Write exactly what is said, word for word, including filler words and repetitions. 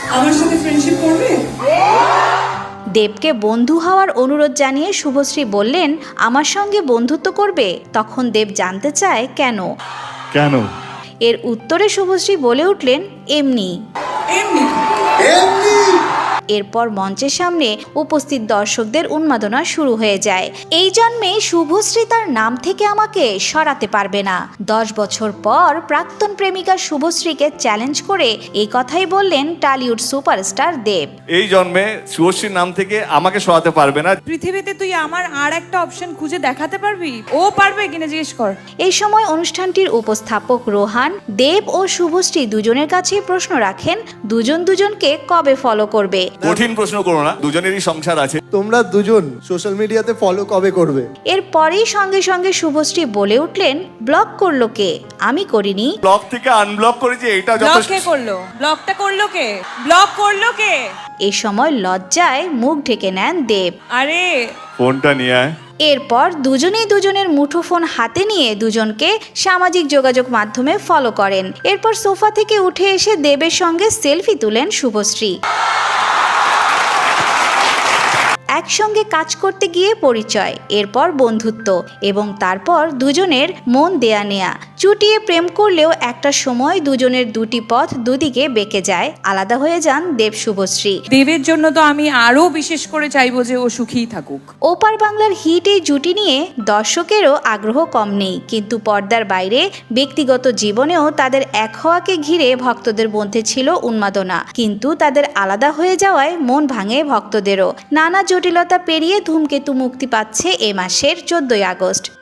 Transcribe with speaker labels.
Speaker 1: আমার সাথে ফ্রেন্ডশিপ করবে?
Speaker 2: দেবকে বন্ধু হওয়ার অনুরোধ জানিয়ে শুভশ্রী বললেন আমার সঙ্গে বন্ধুত্ব করবে। তখন দেব জানতে চায় কেন
Speaker 3: কেন
Speaker 2: এর উত্তরে শুভশ্রী বলে উঠলেন এমনি
Speaker 1: এমনি
Speaker 3: এমনি
Speaker 2: এরপর মঞ্চের সামনে উপস্থিত দর্শকদের উন্মাদনা শুরু হয়ে যায়। এই জন্মে শুভশ্রী তার নাম থেকে আমাকে সরাতে পারবে না। দশ বছর পর প্রাক্তন প্রেমিকা শুভশ্রীকে চ্যালেঞ্জ করে এই কথাই বললেন টলিউড সুপারস্টার দেব।
Speaker 3: এই জন্মে শুভশ্রীর নাম থেকে আমাকে সরাতে পারবে না।
Speaker 1: পৃথিবীতে তুই আমার আর একটা অপশন খুঁজে দেখাতে পারবি? ও পারবে কিনা জিজ্ঞেস কর।
Speaker 2: এই সময় অনুষ্ঠানটির উপস্থাপক রোহান দেব ও শুভশ্রী দুজনের কাছে প্রশ্ন রাখেন দুজন দুজনকে কবে ফলো করবে।
Speaker 3: কঠিন প্রশ্ন করো না, দুজনেরই সংসার আছে।
Speaker 4: তোমরা দুজন সোশ্যাল মিডিয়াতে ফলো কবে করবে?
Speaker 2: এরপরেই সঙ্গে সঙ্গে শুভশ্রী বলে উঠলেন ব্লক করলো কে? আমি করিনি।
Speaker 3: ব্লক থেকে আনব্লক করেছি, এটা
Speaker 1: ব্লক
Speaker 3: যথেষ্ট।
Speaker 1: কে করলো? ব্লকটা করলো কে? ব্লক করলো কে?
Speaker 2: এই সময় লজ্জায় মুখ ঢেকে নেন দেব।
Speaker 1: আরে
Speaker 3: ফোনটা নিয়ে আয়।
Speaker 2: এরপর দুজনেই দুজনের মুঠোফোন হাতে নিয়ে দুজনকে সামাজিক যোগাযোগ মাধ্যমে ফলো করেন। এরপর সোফা থেকে উঠে এসে দেবের সঙ্গে সেলফি তুলেন শুভশ্রী। একসঙ্গে কাজ করতে গিয়ে পরিচয়, এরপর বন্ধুত্ব এবং তারপর দুজনের মন দেয়া নেয়া। চুটিয়ে প্রেম করলেও একটা সময় দুজনের দুটি পথ দুদিকে বেঁকে যায়, আলাদা হয়ে যান দেব শুভশ্রী।
Speaker 1: দেবের জন্য তো আমি আরো বিশেষ করে চাইবো যে ও সুখীই থাকুক।
Speaker 2: ওপার বাংলার হিট এই জুটি নিয়ে দর্শকেরও আগ্রহ কম নেই, কিন্তু পর্দার বাইরে ব্যক্তিগত জীবনেও তাদের এক হওয়াকে ঘিরে ভক্তদের মধ্যে ছিল উন্মাদনা। কিন্তু তাদের আলাদা হয়ে যাওয়ায় মন ভাঙে ভক্তদেরও। নানা জটিলতা পেরিয়ে ধূমকেতু মুক্তি পাচ্ছে এ মাসের চোদ্দই আগস্ট।